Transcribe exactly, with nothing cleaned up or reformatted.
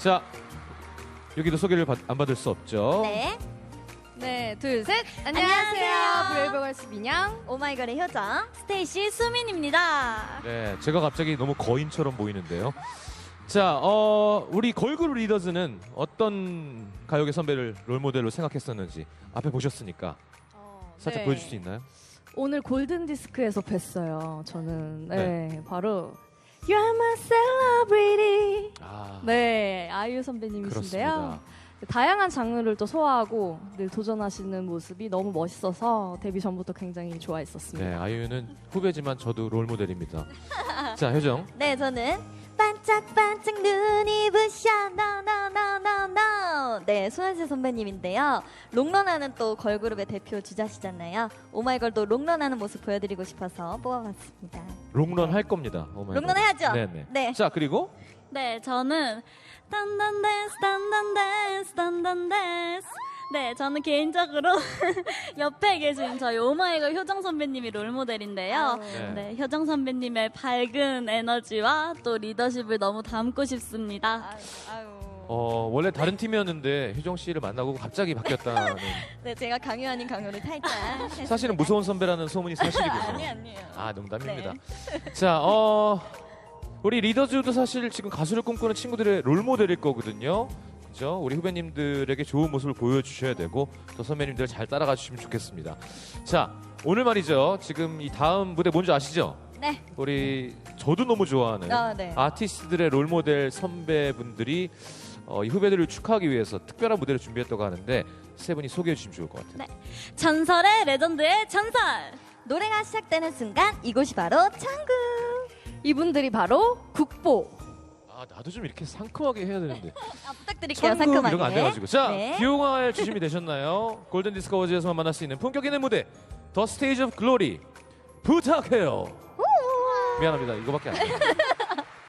자, 여기도 소개를 받, 안 받을 수 없죠. 네. 네, 둘, 셋. 안녕하세요. 안녕하세요. 브레이브걸스 민영. 오마이걸의 효정. 스테이시 수민입니다. 네, 제가 갑자기 너무 거인처럼 보이는데요. 자, 어, 우리 걸그룹 리더즈는 어떤 가요계 선배를 롤모델로 생각했었는지 앞에 보셨으니까 어, 살짝 네. 보여줄 수 있나요? 오늘 골든디스크에서 뵀어요. 저는. 네, 네. 바로 You are my celebrity. 아, 네, 아이유 선배님이신데요. 그렇습니다. 다양한 장르를 또 소화하고 늘 도전하시는 모습이 너무 멋있어서 데뷔 전부터 굉장히 좋아했었습니다. 네, 아이유는 후배지만 저도 롤모델입니다. 자, 효정. 네, 저는 반짝반짝 눈이 부셔 no no no no no. 네, 손아재 선배님인데요. 롱런하는 또 걸그룹의 대표 주자시잖아요. 오마이걸도 롱런하는 모습 보여드리고 싶어서 뽑아봤습니다. 롱런 할 겁니다. 오마이갓. 롱런 해야죠? 네네. 네. 자, 그리고 네, 저는 단단 댄스, 단단 댄스, 단단 댄스. 네, 저는 개인적으로 옆에 계신 저희 오마이걸 효정 선배님이 롤모델인데요. 네. 네, 효정 선배님의 밝은 에너지와 또 리더십을 너무 담고 싶습니다. 아유. 어, 원래 다른 팀이었는데 효정 씨를 만나고 갑자기 바뀌었다는. 네, 제가 강요 아닌 강요를 탈장. 사실은 무서운 선배라는 소문이 사실이군요. 아니 아니에요. 아, 농담입니다. 네. 자, 어, 우리 리더즈도 사실 지금 가수를 꿈꾸는 친구들의 롤모델일 거거든요. 그죠? 우리 후배님들에게 좋은 모습을 보여주셔야 되고 또 선배님들 잘 따라가 주시면 좋겠습니다. 자, 오늘 말이죠. 지금 이 다음 무대 뭔지 아시죠? 네. 우리 저도 너무 좋아하는 아, 네. 아티스트들의 롤모델 선배분들이 어, 이 후배들을 축하하기 위해서 특별한 무대를 준비했다고 하는데 세 분이 소개해 주시면 좋을 것 같아요. 네. 전설의 레전드의 전설. 노래가 시작되는 순간 이곳이 바로 창구. 이분들이 바로 국보. 아, 나도 좀 이렇게 상큼하게 해야 되는데. 아, 부탁드릴게요. 천국 상큼하게. 이런 거 안 돼가지고. 자, 네. 비용할 주심이 되셨나요? 골든 디스크 어워즈에서만 만날 수 있는 품격 있는 무대 더 스테이지 오브 글로리 부탁해요. 미안합니다. 이거밖에 안 돼요.